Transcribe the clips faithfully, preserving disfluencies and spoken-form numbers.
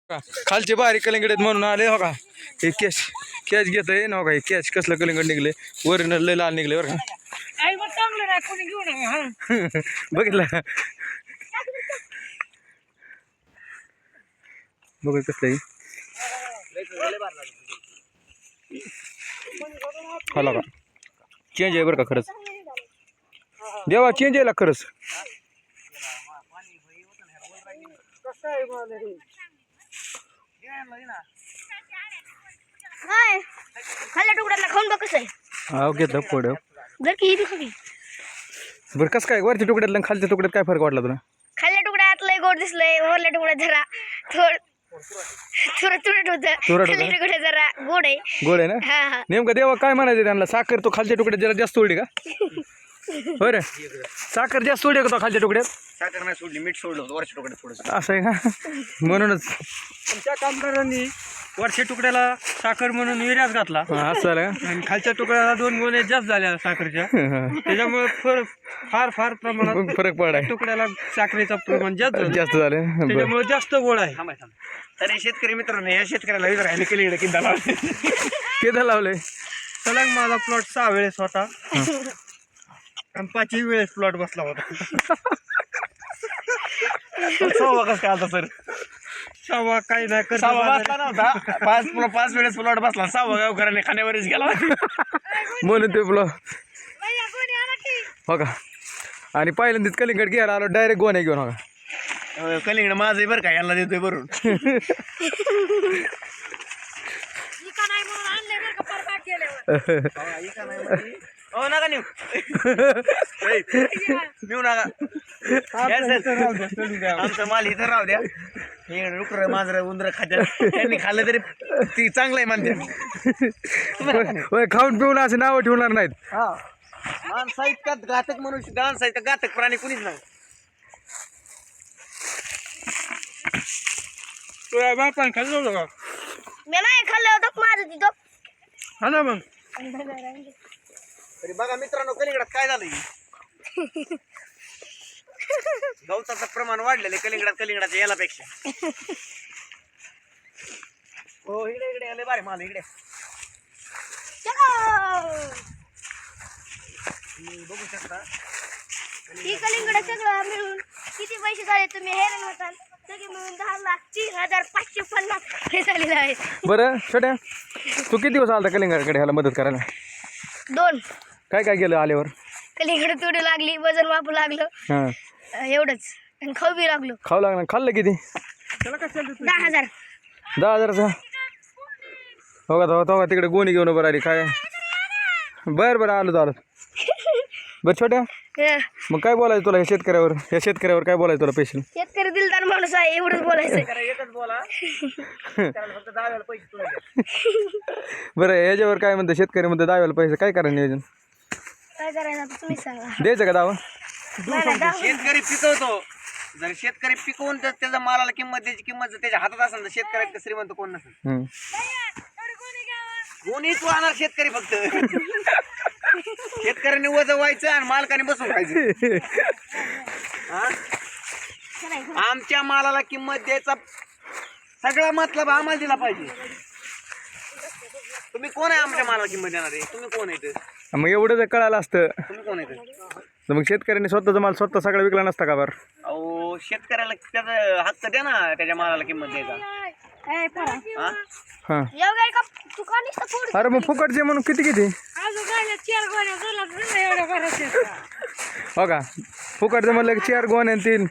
खालचे बारीक कलिंगड आहेत म्हणून आले हो का. हे कॅच कॅच घेत आहे ना का. हे कॅच कसलं कलिंगड निघले वरून लय लाल निघले बरं का. बघितलं बघ कसलं हाला का. चेंज आहे बरं का खरंच. देवा चेंज आहे खरंच. खाल्ल्या तुकड्याला खाऊन बघ कसं आहे. हा घेतलं पुढं जर की ही बघ बरं कसं काय वरच्या तुकड्यातलं आणि खालच्या तुकड्यात काय फरक वाटला तुला. खाल्ल्या तुकड्यात लय गोड दिसलंय. वरल्या तुकड्यात जरा थोड थोडं तुरट होतं. खाल्ल्या तुकड्यात जरा गोड आहे. गोड आहे ना. हा हा नेमकं देवा काय म्हणायचं त्यांना. साखर तो खालच्या तुकड्यात जरा जास्त सोडली का. बरं साखर जास्त सोडली का तो खालच्या तुकड्यात. साखर नाही सोडली मीठ सोडलं होतं वरच्या तुकड्यात थोडंसं. असं आहे का. म्हणूनच त्या कामगारांनी वरच्या तुकड्याला साखर म्हणून विर्यास घातला असं झालं का. आणि खालच्या तुकड्याला दोन गोणे जास्त झाल्या साखरच्या. त्याच्यामुळे फर फार फार प्रमाणात फरक पडाय. तुकड्याला साखरेचं प्रमाण जास्त झालं. जास्त झालं. त्याच्यामुळे जास्त गोड आहे. तर शेतकरी मित्रांनो या शेतकऱ्याला विचारायला केली इकडे किंदा लावले किती लावलंय. सलग माझा प्लॉट सहा वेळेस होता आणि पाचही वेळेस प्लॉट बसला होता. सहावा कसं काय आता सर. सहावा काही नाही कर बसला नव्हता. पाच पाच वेळेस प्लॉट बसला. सहावा गावकऱ्याने खाण्यावरच गेला म्हणून ते बोला हो का. आणि पहिल्यांदाच कलिंगड घ्यायला आलो डायरेक्ट गोण्या घेऊन हो का. कलिंगड माझं बरं का याला देतोय भरून. हो नका नेऊ नेऊ नका. आमचं माल इथं राहू द्या. हे डुकर मांजर उंदर खात्यात त्यांनी खाल्लं तरी ती चांगलं आहे म्हणते. खाऊन पिऊन असे नावं ठेवणार नाहीत. हा माणसा इतक्यात घातक मनुष्य माणसा इतका घातक प्राणी कुणीच नाही. तुझ्या बापान खाल्लं होतं का. मी नाही खाल्लं होतं माझं तिथं. हा ना मग तरी बघा मित्रांनो कलिंगडात काय झालं. गवताचं प्रमाण वाढलेलं आहे कलिंगडात कलिंगडाच्या यालापेक्षा. हो इकडे इकडे आले बारे माल इकडे बघू शकता. ही कलिंगड सगळं मिळून किती पैसे झाले तुम्ही हैराण होताल. सगळे मिळून दहा लाख तीन हजार पाचशे पन्नास हे झालेलं आहे. बरं छोट्या तू किती दिवस आला कलिंगडकडे ह्याला मदत करायला. दोन काय काय केलं आल्यावर. कलिंगड तोडू लागली वजन मापू लागलं हां एवढंच. आणि खाऊ बी लागलो. खाऊ लागलं. खाल्लं किती. दहा हजार दहा हजारचा हो का. हो का तिकडे गोणी घेऊन बरं आली काय. बरं बरं आलो आलो. बरं छोट्या मग काय बोलायचं तुला. या शेतकऱ्यावर या शेतकऱ्यावर काय बोलायचं तुला पेशल. शेतकरी दिलदार माणूस आहे एवढंच बोलायचं. एकच बोला फक्त दहा वेळा पैसे तुला. बरं याच्यावर काय म्हणतं शेतकरी म्हणतं दहाव्याला पैसे काय करायचं नियोजन. काय करायचं आता तुम्ही सांगा. द्यायचं का दावा. शेतकरी पिकवतो. जर शेतकरी पिकवून तर त्याच्या मालाला किंमत त्याची किंमत जर त्याच्या हातात असेल तर शेतकऱ्याला श्रीमंत कोण नसेल. कोणीच वाहणार शेतकरी फक्त. शेतकऱ्याने वजन व्हायचं आणि मालकाने बसून खायचं. आमच्या मालाला किंमत द्यायचा सगळा मतलब आम्हाला दिला पाहिजे. तुम्ही कोण आहे आमच्या मालाला किंमत देणार आहे. तुम्ही कोण आहे. मग एवढं जर कळालं असतं तुम्ही कोण आहे तर मग शेतकऱ्यांनी स्वतःचा माल स्वतः सगळा विकला नसता का बरं. अहो शेतकऱ्याला त्याचा हक्क द्या ना त्याच्या मालाला किंमत द्यायचा. हां अरे मग फुकटचे म्हणून किती किती हो का. फुकटचं म्हणलं की चार गोण्या तीन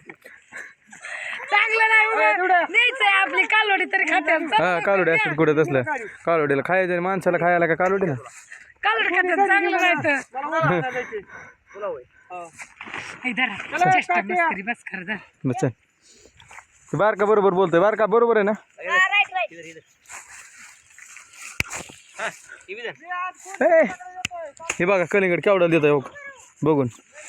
आपली कालवडी तरी खात्यात. हा कालोडी असतात कुठं तसलं. कालोडीला खायचं माणसाला खायला का कालोडीला. कालवडी खात्यात चांगलं बस चल. बारका बरोबर बोलतोय. बारका बरोबर आहे ना. हे बघा कलिंगड केवढं देत आहे बघून.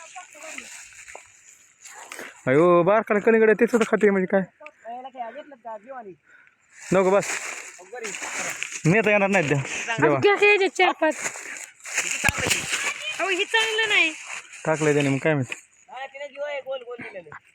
अयो बारकाला कलिंगड आहे तेच खाते म्हणजे काय नको बस. नेता येणार नाहीत द्या. चार पाच चांगलं नाही टाकलंय त्याने मग काय माहिती. गोल गोल